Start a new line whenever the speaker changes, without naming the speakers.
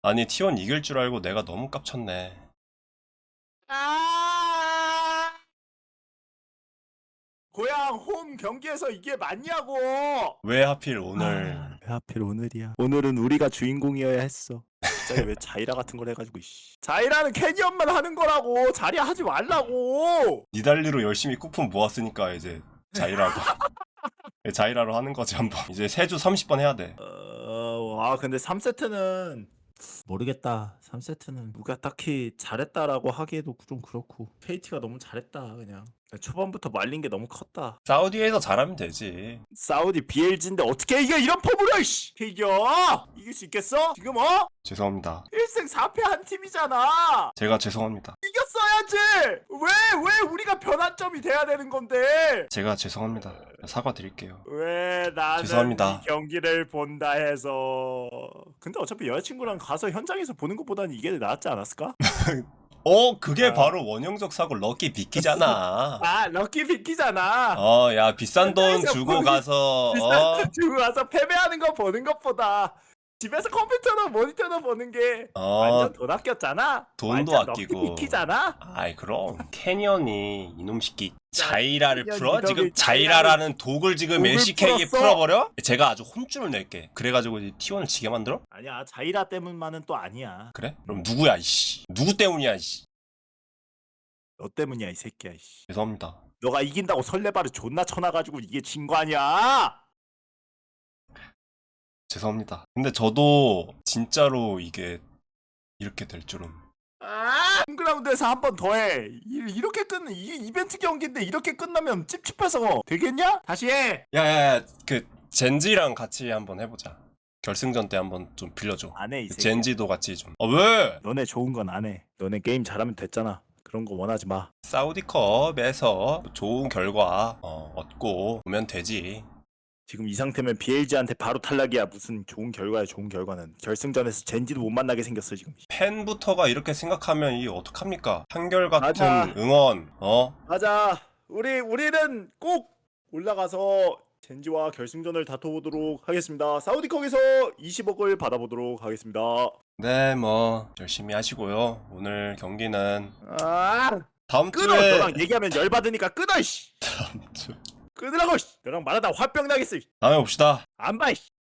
아니 T1 이길 줄 알고 내가 너무 깝쳤네.
고향 홈 경기에서 이게 맞냐고.
왜 하필 오늘.
왜 하필 오늘이야. 오늘은 우리가 주인공이어야 했어. 갑자기 왜 자이라 같은 걸 해가지고 자이라는 캐니언만 하는 거라고. 자리야 하지 말라고.
니달리로 열심히 쿠폰 모았으니까 이제 자이라도 자이라로 하는 거지 한번. 이제 세주 30번 해야 돼.
근데 3세트는 모르겠다. 3세트는 누가 딱히 잘했다라고 하기에도 좀 그렇고 KT가 너무 잘했다. 그냥 초반부터 말린 게 너무 컸다.
사우디에서 잘하면 되지.
사우디 BLG인데 어떻게 이겨 이런 폼으로 이길 수 있겠어? 지금
죄송합니다.
1승 4패 한 팀이잖아.
제가 죄송합니다.
이겼어야지. 왜 우리가 변환점이 돼야 되는 건데?
제가 죄송합니다. 사과드릴게요.
왜 나는
죄송합니다.
이 경기를 본다 해서. 근데 어차피 여자친구랑 가서 현장에서 보는 것보다는 이게 낫지 않았을까?
그게 바로 원형적 사고 럭키 비키잖아.
럭키 비키잖아.
야 비싼 돈
현장에서
주고
보는-
가서
비싼 돈 주고 가서 패배하는 거 보는 것보다 집에서 컴퓨터나 모니터나 보는 게 완전 돈 아꼈잖아.
돈도
완전
아끼고.
럭키 비키잖아.
아이 그럼 캐니언이 이놈 새끼 자이라를
캐니언
풀어?
이놈이
지금 자이라라는 독을 지금
독을
LCK에
풀었어?
풀어버려? 제가 아주 혼쭐을 낼게. 그래가지고 이제 T1을 지게 만들어?
아니야, 자이라 때문만은 또 아니야.
그래? 그럼 누구야 이씨. 누구 때문이야 이씨.
너 때문이야 이 새끼야.
죄송합니다.
너가 이긴다고 설레발을 존나 쳐놔가지고 이게 진 거 아니야?
죄송합니다. 근데 저도 진짜로 이게 이렇게 될 줄은.
홈그라운드에서 한 번 더 해. 이렇게 끝는 이게 이벤트 경기인데 이렇게 끝나면 찝찝해서 되겠냐? 다시 해.
야야야 그 젠지랑 같이 한번 해보자. 결승전 때 한번 좀 빌려줘.
안 해 이 새끼.
젠지도 같이 좀. 왜?
너네 좋은 건 안 해. 너네 게임 잘하면 됐잖아. 그런 거 원하지 마.
사우디컵에서 좋은 결과 얻고 오면 되지.
지금 이 상태면 BLG한테 바로 탈락이야. 무슨 좋은 결과야. 좋은 결과는 결승전에서 젠지도 못 만나게 생겼어 지금.
팬부터가 이렇게 생각하면 이게 어떡합니까? 한결같은
맞아.
응원.
맞아. 우리는 꼭 올라가서 젠지와 결승전을 다퉈보도록 하겠습니다. 사우디컵에서 20억을 받아보도록 하겠습니다.
네, 뭐 열심히 하시고요. 오늘 경기는 다음
끊어.
주에
너랑 얘기하면 열받으니까 끊어.
다음 주
끊으라고. 너랑 말하다 화병 나겠어.
다음에 봅시다.
안 봐.